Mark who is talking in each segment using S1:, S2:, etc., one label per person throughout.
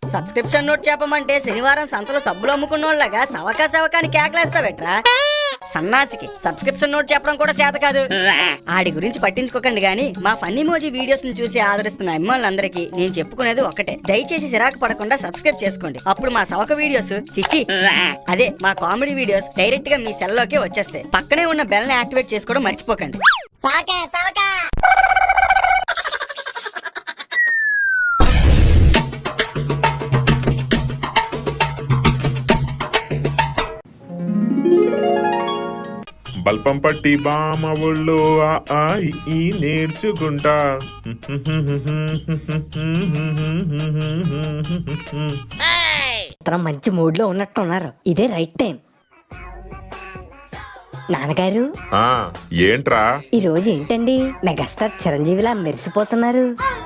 S1: Subscription note చెప్పమంటే శనివారం సంతలో సబ్బులు అమ్ముకున్నోళ్ళగా సవకాని కేకలేస్తావెట్రా? సన్నాసికి సబ్స్క్రిప్షన్ నోట్ చెప్పడం కూడా చేత కాదు. ఆడి గురించి పట్టించుకోకండి గానీ మా ఫన్నీ మోజీ వీడియోస్ ని చూసి ఆదరిస్తున్న అమ్మాయిలందరికీ నేను చెప్పుకునేది ఒకటే, దయచేసి సిరాకు పడకుండా సబ్స్క్రైబ్ చేసుకోండి. అప్పుడు మా సవక వీడియోస్ చిచ్చి అదే మా కామెడీ వీడియోస్ డైరెక్ట్ గా మీ సెల్ లోకే వచ్చేస్తాయి. పక్కనే ఉన్న బెల్ ని యాక్టివేట్ చేసుకోవడం మర్చిపోకండి.
S2: బల్పం పట్టి బామ ఒళ్ళు ఈ నేర్చుకుంటా.
S3: మంచి మూడ్ లో ఉన్నట్టున్నారు. ఇదే రైట్ టైం. నాన్నగారు
S2: ఏంట్రా
S3: ఈ రోజు ఏంటండి మెగాస్టార్ చిరంజీవిలా మెరిసిపోతున్నారు?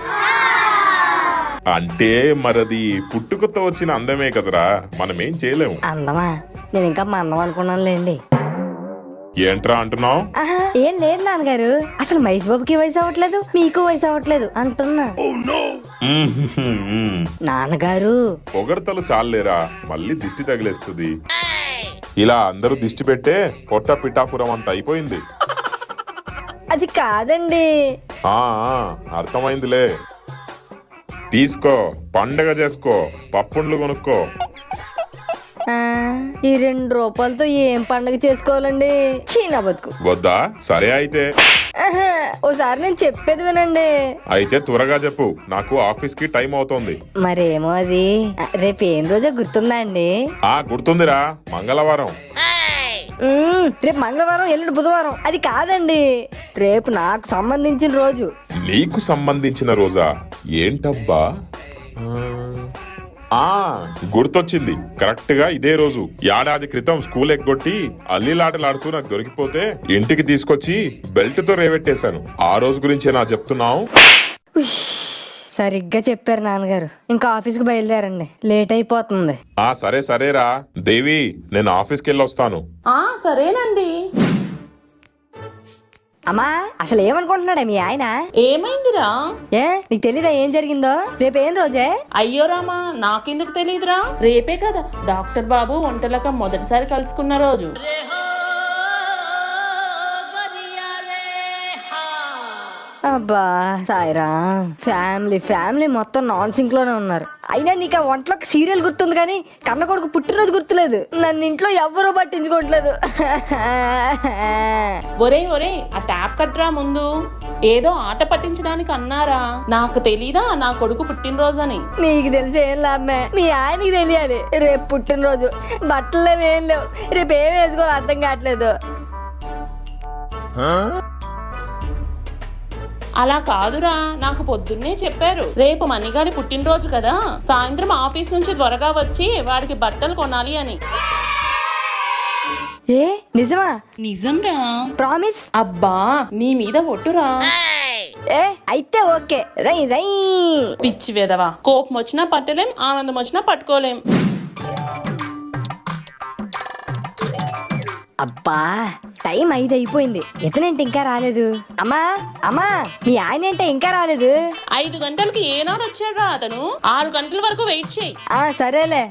S2: అంటే మరది పుట్టుకతో వచ్చిన అందమే కదరా, మనమేం చేయలేము.
S3: అందమా? నేను ఇంకా మా అందం అనుకున్నానులేండి.
S2: ఏంట్రా అంటున్నావు?
S3: ఏం లేదు నాన్నగారు, అసలు మహేష్ బాబుకి వయసు అవ్వట్లేదు, మీకు వయసు అవ్వట్లేదు అంటున్నా. నాన్నగారు
S2: పొగడతలు చాలేరా, మళ్ళీ దిష్టి తగిలేస్తుంది. ఇలా అందరూ దిష్టి పెట్టే పొట్ట పిఠాపురం అంత అయిపోయింది.
S3: అది కాదండి.
S2: అర్థమైందిలే. తీసుకో, పండగ చేసుకో, పప్పుండ్లు కొనుక్కో.
S3: ఈ 2 రూపాయలతో ఏం పండగ చేసుకోవాలండి? చీనా బతుకు.
S2: వద్దా? సరే అయితే
S3: ఓసారి నేను చెప్పేది వినండి.
S2: అయితే త్వరగా చెప్పు, నాకు ఆఫీస్ కి టైం అవుతోంది.
S3: మరేమో అది రేపు ఏం రోజో గుర్తుందా అండి?
S2: గుర్తుందిరా, మంగళవారం.
S3: రేపు మంగళవారం, ఎల్లుండి బుధవారం. అది కాదండి, రేపు నాకు సంబంధించిన రోజు.
S2: నీకు సంబంధించిన రోజా? ఏంటబ్బా? గుర్తొచ్చింది, కరెక్ట్ గా ఇదే రోజు. ఏడాది క్రితం స్కూల్ ఎగ్గొట్టి అల్లిలాటలాడుతూ నాకు దొరికిపోతే ఇంటికి తీసుకొచ్చి బెల్ట్ తో రేవెట్టేశాను. ఆ రోజు గురించే నా చెప్తున్నావు.
S3: సరిగ్గా చెప్పారు నాన్నగారు. ఇంకా ఆఫీస్కి బయలుదేరండి, లేట్ అయిపోతుంది.
S2: సరేరా దేవి, నేను ఆఫీస్కి వెళ్ళి వస్తాను.
S4: సరేనండి.
S3: అమ్మా, అసలు ఏమనుకుంటున్నాడే మీ ఆయన?
S4: ఏమైందిరా?
S3: నీకు తెలీదా ఏం జరిగిందో? రేపు ఏం రోజే?
S4: అయ్యో రామా, నాకెందుకు తెలీదురా? రేపే కదా డాక్టర్ బాబు ఒంటలక మొదటిసారి కలుసుకున్న రోజు.
S3: అబ్బా సాయిరా, ఫ్యామిలీ మొత్తం నాన్ సింక్ లోనే ఉన్నారు. అయినా నీకు ఆ వంటలోకి సీరియల్ గుర్తుంది కానీ కన్న కొడుకు పుట్టినరోజు గుర్తులేదు. నన్ను ఇంట్లో ఎవ్వరూ పట్టించుకోవట్లేదు.
S4: ఒరే ఆ ట్యాప్ కట్రా ముందు. ఏదో ఆట పట్టించడానికి అన్నారా? నాకు తెలీదా నా కొడుకు పుట్టినరోజు అని?
S3: నీకు తెలిసి ఏం లాభమే, మీ ఆయనకి తెలియాలి. రేపు పుట్టినరోజు, బట్టలు లేవు, ఏం లేవు. రేపు ఏం వేసుకోవాలో అర్థం కావట్లేదు.
S4: అలా కాదురా, నాకు పొద్దున్నే చెప్పారు రేపు మణిగాడి పుట్టినరోజు కదా, సాయంత్రం ఆఫీస్ నుంచి త్వరగా వచ్చి వాడికి బట్టలు కొనాలి అని.
S3: నిజమా?
S4: నిజంరా.
S3: ప్రామిస్?
S4: అబ్బా నీ మీద ఒట్టురా.
S3: అయితే ఓకే. రై
S4: పిచ్చి వెదవా, కోపం వచ్చినా పట్టలేం, ఆనందం వచ్చినా పట్టుకోలేం.
S3: అబ్బా టైం 5 అయిపోయింది, ఇతనేంటి ఇంకా రాలేదు? అమ్మా మీ ఆయన ఏంటే ఇంకా రాలేదు?
S4: 5 గంటలకి ఏనాడు వచ్చాడురా అతను? 6 గంటల వరకు వెయిట్ చేయి.
S3: సరేలే.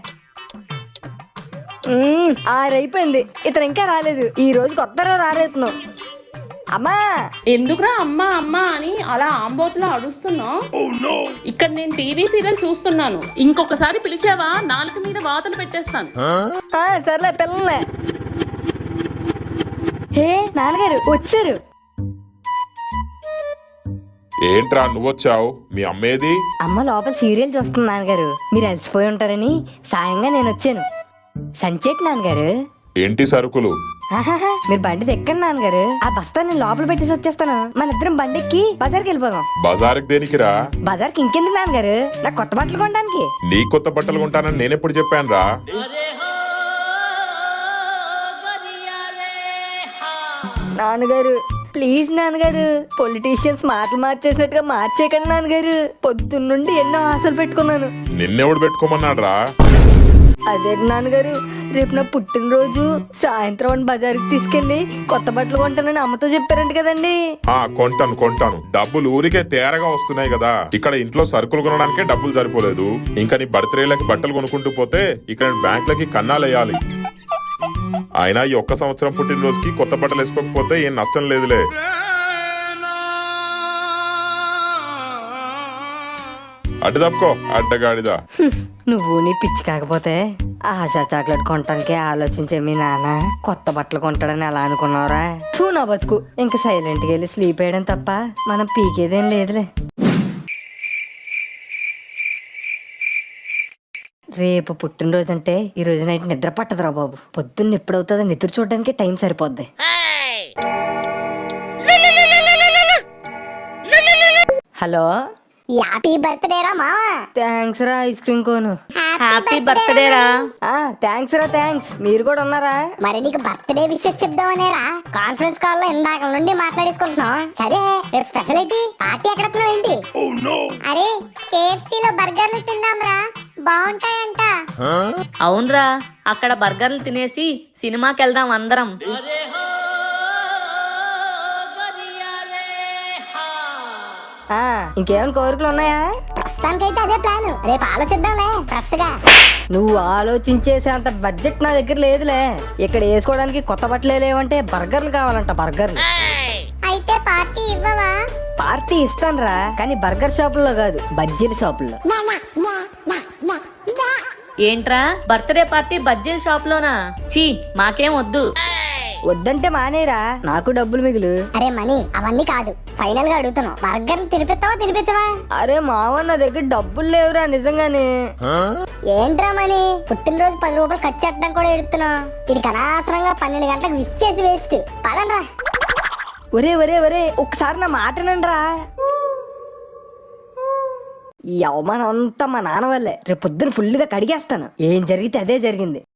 S3: 6 అయిపోయింది, ఇతను ఇంకా రాలేదు. ఈ రోజు కొత్తగా రాలేదు. అమ్మా
S4: ఎందుకురా అమ్మా అని అలా ఆంబోతులా అడుస్తున్నావు? ఇక్కడ నేను టీవీ సీరియల్ చూస్తున్నాను. ఇంకొకసారి పిలిచావా నాలుక మీద వాతలు పెట్టేస్తాను.
S3: సర్లే పిల్లలే. నాన్నగారు వచ్చారు.
S2: ఏంట్రా నువ్వొచ్చావు? మీ అమ్మేది?
S3: అమ్మ లోపల సీరియల్ చూస్తుంది నాన్నగారు. మీరు అలసిపోయి ఉంటారని సాయంగా నేను వచ్చాను. సంచేటి నాన్నగారు.
S2: ఏంటి సరుకులు?
S3: మీరు బండి ఎక్కండి నాన్నగారు, ఆ బస్తా నేను లోపల పెట్టేసి వచ్చేస్తాను. మన ఇద్దరం బండి ఎక్కి బజార్కి వెళ్ళిపోదాం.
S2: బజార్కి దేనికిరా?
S3: బజార్కి ఇంకెందుకు నాన్నగారు, నాకు కొత్త బట్టలు కొనడానికి.
S2: నీ కొత్త బట్టలు కొంటానని నేనెప్పుడు చెప్పాను రా?
S3: నాన్నగారు ప్లీజ్ నాన్నగారు, పొలిటీషియన్స్ మాటలు మార్చేసినట్టుగా మార్చేయకండి నాన్నగారు. పొద్దున్నుండి ఎన్నో ఆశలు పెట్టుకున్నాను.
S2: నిన్నెవడు పెట్టుకోమన్నాడు రా?
S3: అదే నాన్నగారు, రేపు నా పుట్టినరోజు సాయంత్రం బజార్కి తీసుకెళ్లి కొత్త బట్టలు కొంటానని అమ్మతో చెప్పారంట కదండి.
S2: కొంటాను డబ్బులు ఊరికే తేరగా వస్తున్నాయి కదా. ఇక్కడ ఇంట్లో సరుకులు కొనడానికే డబ్బులు సరిపోలేదు, ఇంకా నీ బర్త్డేలకి బట్టలు కొనుక్కుంటూ పోతే ఇక్కడ బ్యాంకులకి కన్నాలేయాలి. అయినా ఈ ఒక్క సంవత్సరం పుట్టినరోజుకి కొత్త బట్టలు వేసుకోకపోతే ఏం నష్టం లేదులే. అడ్డు తప్పుకో అడ్డగాడిదా.
S3: నువ్వు నీ పిచ్చి కాకపోతే ఆశా చాక్లెట్ కొనటానికే ఆలోచించే మీ నాన్న కొత్త బట్టలు కొంటాడని ఎలా అనుకున్నావురా? చూ నా బతుకు. ఇంకా సైలెంట్గా వెళ్ళి స్లీప్ వేయడం తప్ప మనం పీకేదేం లేదులే. రేపు పుట్టినరోజు అంటే ఈ రోజు నైట్ నిద్ర పట్టదురా బాబు. పొద్దున్న ఎప్పుడవుతుందో నిద్ర చూడడానికి టైం సరిపోద్ది. హలో,
S5: హ్యాపీ బర్త్డే రా మావా.
S3: థ్యాంక్స్ రా ఐస్ క్రీమ్ కోను.
S1: హ్యాపీ బర్త్డే రా.
S3: థ్యాంక్స్ రా, థ్యాంక్స్. మీరు కూడా ఉన్నారా?
S5: మరి నీకు బర్త్డే విషెస్ చెప్దామనేరా కాన్ఫరెన్స్ కాల్ లో ఇందాక నుండి మాట్లాడేసుకుంటున్నాం. సరే రేపు స్పెషల్ ఏంటి? పార్టీ ఎక్కడ ఏంటి? అరే KFC లో బర్గర్లు తిందాంరా, బాగుంటాయంట.
S6: అవునరా, అక్కడ బర్గర్లు తినేసి సినిమాకి వెళ్దాం అందరం.
S3: ఇంకేమైనా కోరికలు ఉన్నాయా?
S5: ప్రస్తుతానికైతే అదే ప్లాన్. రేపు ఆలోచిద్దాంలే ఫ్రెష్ గా.
S3: నువ్వు ఆలోచించేసే అంత బడ్జెట్ నా దగ్గర లేదులే. ఇక్కడ వేసుకోవడానికి కొత్త బట్టలే లేవంటే బర్గర్లు కావాలంట, బర్గర్లు.
S5: అయితే పార్టీ ఇవ్వవా?
S3: పార్టీ ఇస్తానురా, కానీ బర్గర్ షాపుల్లో కాదు, బజ్జీల షాపుల్లో.
S6: ఏంట్రా బర్త్డే పార్టీ బజ్జీల షాప్ లోనా? చీ, మాకేం వద్దు.
S3: వద్దంటే మానేరా, నాకు డబ్బులు మిగులు.
S5: అరే మనీ అవన్నీ కాదు, ఫైనల్ గా అడుగుతున్నావు, బర్గర్ తినిపించవా?
S3: అరే మావ, నా దగ్గర డబ్బులు లేవురా నిజంగానే.
S5: ఏంట్రా మనీ, పుట్టినరోజు 10 రూపాయలు ఖర్చు పెట్టడం కూడా ఎడుతున్నావు. ఇది అనవసరంగా 12 గంటలకు విష్ చేసి వేస్ట్. పదండ్రా.
S3: ఒరే ఒరే ఒరే, ఒక్కసారి నా మాట నండ్రా. ఈ అవమానం అంతా మా నాన్న వల్లే. రేపు పొద్దున ఫుల్గా కడిగేస్తాను. ఏం జరిగితే అదే జరిగింది.